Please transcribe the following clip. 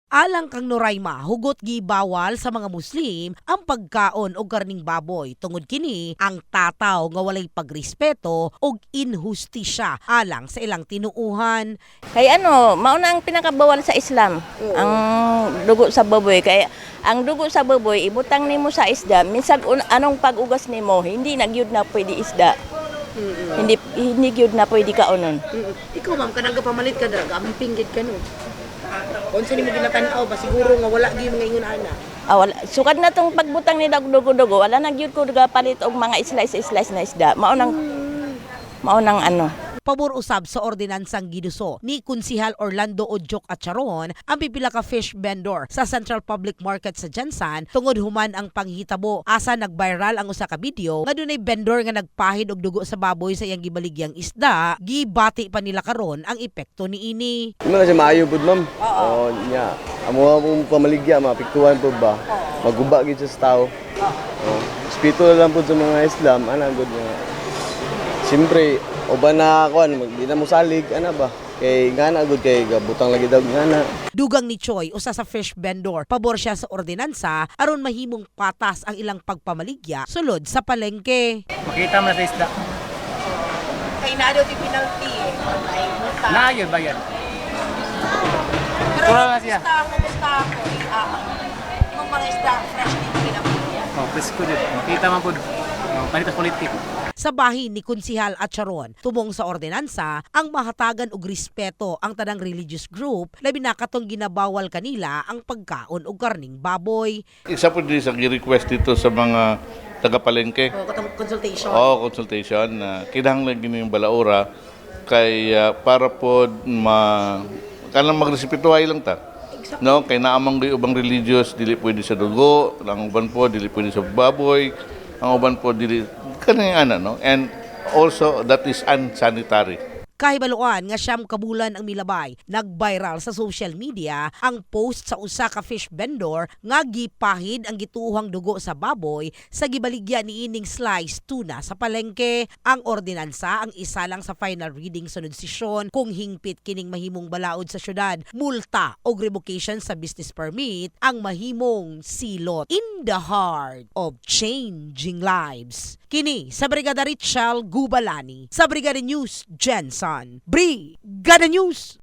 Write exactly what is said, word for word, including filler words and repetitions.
Alang kang Noraima, hugot gi bawal sa mga Muslim ang pagkaon og karning baboy tungod kini ang tataw nga walay pagrespeto og inhustisya alang sa ilang tinuuhan. Kay ano, mao na ang pinakabawal sa Islam, Oo. ang dugo sa baboy. Kay ang dugo sa baboy ibutang nimo sa isda, minsan un- anong pag-ugas nimo, hindi na gyud na pwede isda. Mm-mm. Hindi hindi gyud na pwede kaonon. Mm-mm. Ikaw ma'am, kanang pamalit ka dra, aming pinggit ka no. Unsa nimo ginatanaw ba siguro nga wala gyud mga ingon ana. Ah, wala. Sukad na tong pagbutang ni dugo-dugo, wala na gyud ko palit og mga slice-slice na isda. Mao nang mao nang ano. Pabor usab sa ordinansang giduso ni Kunsihal Orlando Ojok Acharon ang pipila ka fish vendor sa Central Public Market sa Jansan tungod human ang panghitabo. Asa nag-viral ang usa ka video nga dunay vendor nga nagpahid og dugo sa baboy sa iyang gibaligyang isda, gibati pa nila karon ang epekto niini. Hindi na siya maayo po, ma'am. Oo. niya. Amo akong pamaligya, mapiktuhan po ba? Maguba gid siya sa tao. Oo. Spito lang po sa mga Islam, ana good nga. Siyempre, uban na ako, di na mo salig, ana ba? Kay ngana good kay gabutang lagi daw ngana. Dugang ni Choi, usa sa fish vendor, pabor siya sa ordinansa aron mahimong patas ang ilang pagpamaligya sulod sa palengke. Makita mo na sa isda. Kay na daw ti penalty eh. Ay, multa. Na yun ba yan? Pero Puro na siya. gusto ako, gusto ako. Yung mga isda, fresh din pinapilya. Oh, presko dyan. Makita mo po. Oh, panitas politik. Sa bahin ni Kunsihal Acharon, tumong sa ordinansa, ang mahatagan og respeto ang tanang religious group, labi na katong ginabawal kanila ang pagkaon og karning baboy. Isa po din sa request dito sa mga taga-palengke. O katong consultation. O consultation na kinahanglan gini yung balaura kay ah, para po ma kanang magrespetuhay lang ta. No, kay naamang gay ubang religious dili pwede sa dugo, ang uban po dili pwede sa baboy, ang uban po dili kanang ana no. And also that is unsanitary. Kahibaluan nga siyam kabulan ang milabay, nag-viral sa social media ang post sa usa ka fish vendor nga gipahid ang gituohang dugo sa baboy sa gibaligya ni ining slice tuna sa palengke. Ang ordinansa ang isa lang sa final reading sunod sesyon kung hingpit kining mahimong balaod sa syudad, multa o revocation sa business permit ang mahimong silot in the heart of changing lives. Kini sa Brigada Richel Gubalani sa Brigada News Jensen. Brigada News!